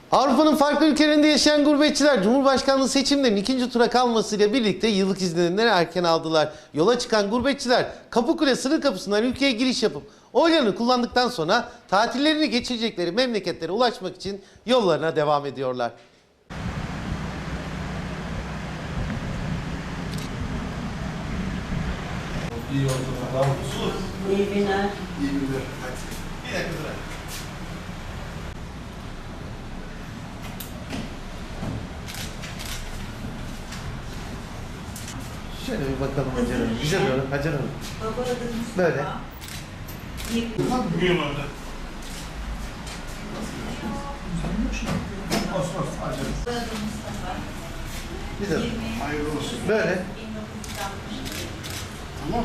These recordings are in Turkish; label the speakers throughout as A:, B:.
A: Avrupa'nın farklı ülkelerinde yaşayan gurbetçiler Cumhurbaşkanlığı seçimlerinin ikinci tura kalmasıyla birlikte yıllık izinlerini erken aldılar. Yola çıkan gurbetçiler Kapıkule sınır kapısından ülkeye giriş yapıp oylarını kullandıktan sonra tatillerini geçirecekleri memleketlere ulaşmak için yollarına devam ediyorlar.
B: İyi yolculuklar.
C: İyi günler.
B: İyi günler.
A: Bir dakika dur. Şöyle bir bakalım Hacer Hanım. Güzel olur Hacer Hanım. Böyle.
B: Bugün orada. Osman, acele.
A: Güzel.
B: Hayırlı olsun.
A: Böyle.
B: Tamam.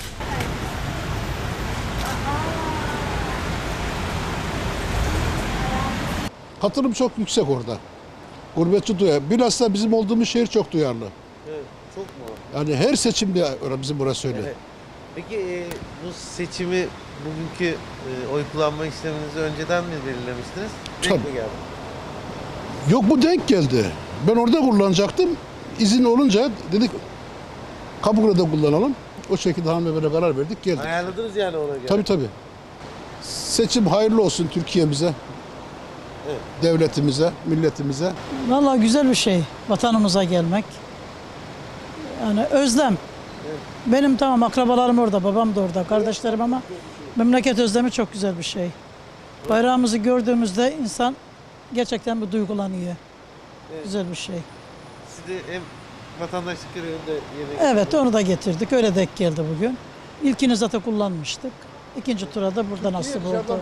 D: Katılım çok yüksek orada. Gurbetçi duyar. Bilhassa bizim olduğumuz şehir çok duyarlı.
A: Evet, çok mu?
D: Yani her seçimde bizim burası öyle.
A: Evet. Peki bu seçimi bugünkü oy kullanma işleminizi önceden mi belirlemiştiniz? Denk
D: Tabii.
A: mi geldi?
D: Yok, bu denk geldi. Ben orada kullanacaktım. İzin olunca dedik Kapıkule'de kullanalım. O şekilde hanımefendiye karar verdik, geldik.
A: Ayarladınız yani ona göre.
D: Tabii. Seçim hayırlı olsun Türkiye'mize,
A: Evet.
D: devletimize, milletimize.
C: Vallahi güzel bir şey vatanımıza gelmek. Yani özlem. Benim tamam akrabalarım orada, babam da orada, kardeşlerim ama memleket özlemi çok güzel bir şey. Bayrağımızı gördüğümüzde insan gerçekten bir duygulanıyor. Güzel bir şey.
A: Siz de hem vatandaşlık görevinde yemek...
C: Evet, onu da getirdik. Öyle denk geldi bugün. İlkini zaten kullanmıştık. İkinci tura da burada nasip oldu.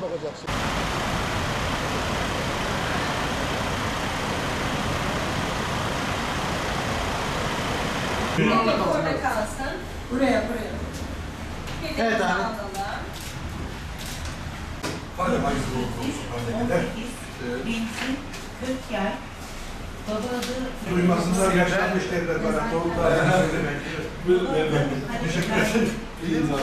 E: Orada kalsın. Buraya.
A: Evet abi.
B: Hadi hayırlı olsun. Hadi.
E: Benzin 40 yay. Baba adı...
B: Duymasınlar yaşlanmış devlet bana. Torunlar söylemek. Teşekkür ederim. İyi günler.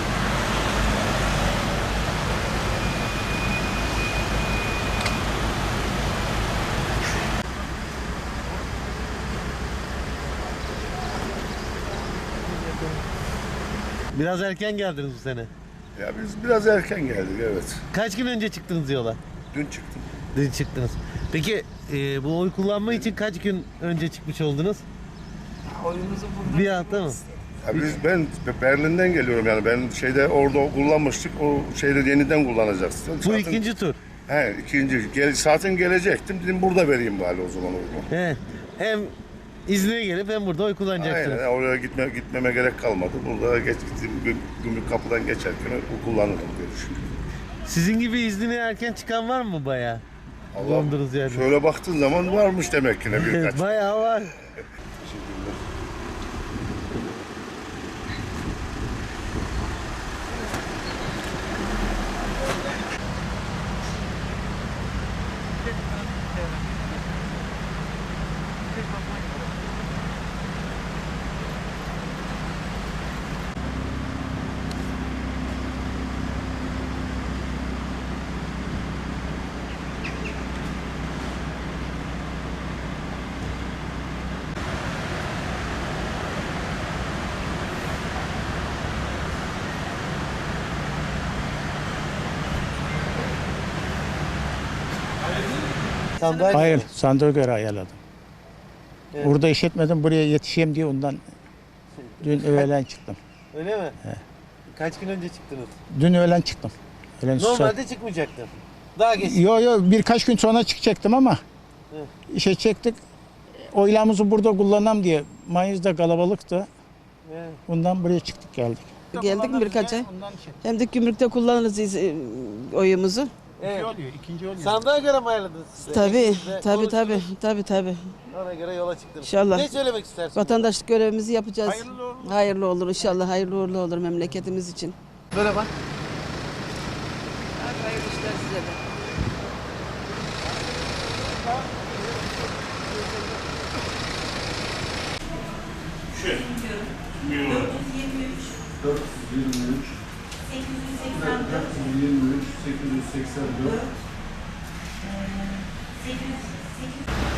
A: Biraz erken geldiniz bu sene.
F: Ya biz biraz erken geldik, evet.
A: Kaç gün önce çıktınız yola?
F: Dün çıktım.
A: Dün çıktınız. Peki bu oy kullanma için kaç gün önce çıkmış oldunuz? Bir hafta mı?
F: Ya ben Berlin'den geliyorum, yani ben orada kullanmıştık, o yeniden kullanacağız.
A: Bu ikinci tur.
F: He, ikinci. Zaten gelecektim, dedim burada vereyim bari o zaman oyunu.
A: He. Hem İzmir'e gelip hem burada oy kullanacaksınız.
F: Aynen, oraya gitmeme gerek kalmadı. Burada gümrük kapıdan geçerken kullanırım diye düşünüyorum.
A: Sizin gibi iznine erken çıkan var mı bayağı? Bulundunuz yani.
F: Şöyle baktığın zaman varmış demek ki ne birkaç.
A: Bayağı var. Sandalye.
G: Hayır, sandığa göre ayarladım.
A: Evet.
G: Burada işletmedim, buraya yetişeyim diye ondan dün öğlen çıktım.
A: Öyle mi? Kaç gün önce çıktınız?
G: Dün öğlen çıktım.
A: Normalde çıkmayacaktın. Daha geç.
G: Birkaç gün sonra çıkacaktım ama
A: Evet.
G: işe çektik. Oylamızı burada kullanalım diye. Mayıs'ta kalabalıktı.
A: Evet.
G: Bundan buraya çıktık geldik.
H: Geldik mi birkaç ay?
G: Ondan şey.
H: Hem de gümrükte kullanırız oyumuzu.
A: Evet.
G: İkinci oluyor.
A: Sandığa göre mi ayarladınız size?
H: Tabii,
A: Evinizde
H: tabii.
A: tabii. Ona göre yola çıktınız.
H: İnşallah.
A: Ne söylemek istersiniz?
H: Vatandaşlık görevimizi yapacağız.
G: Hayırlı olur.
H: Hayırlı olur inşallah, hayırlı uğurlu olur memleketimiz için.
A: Böyle bak.
H: Hayırlı işler size de.
E: 8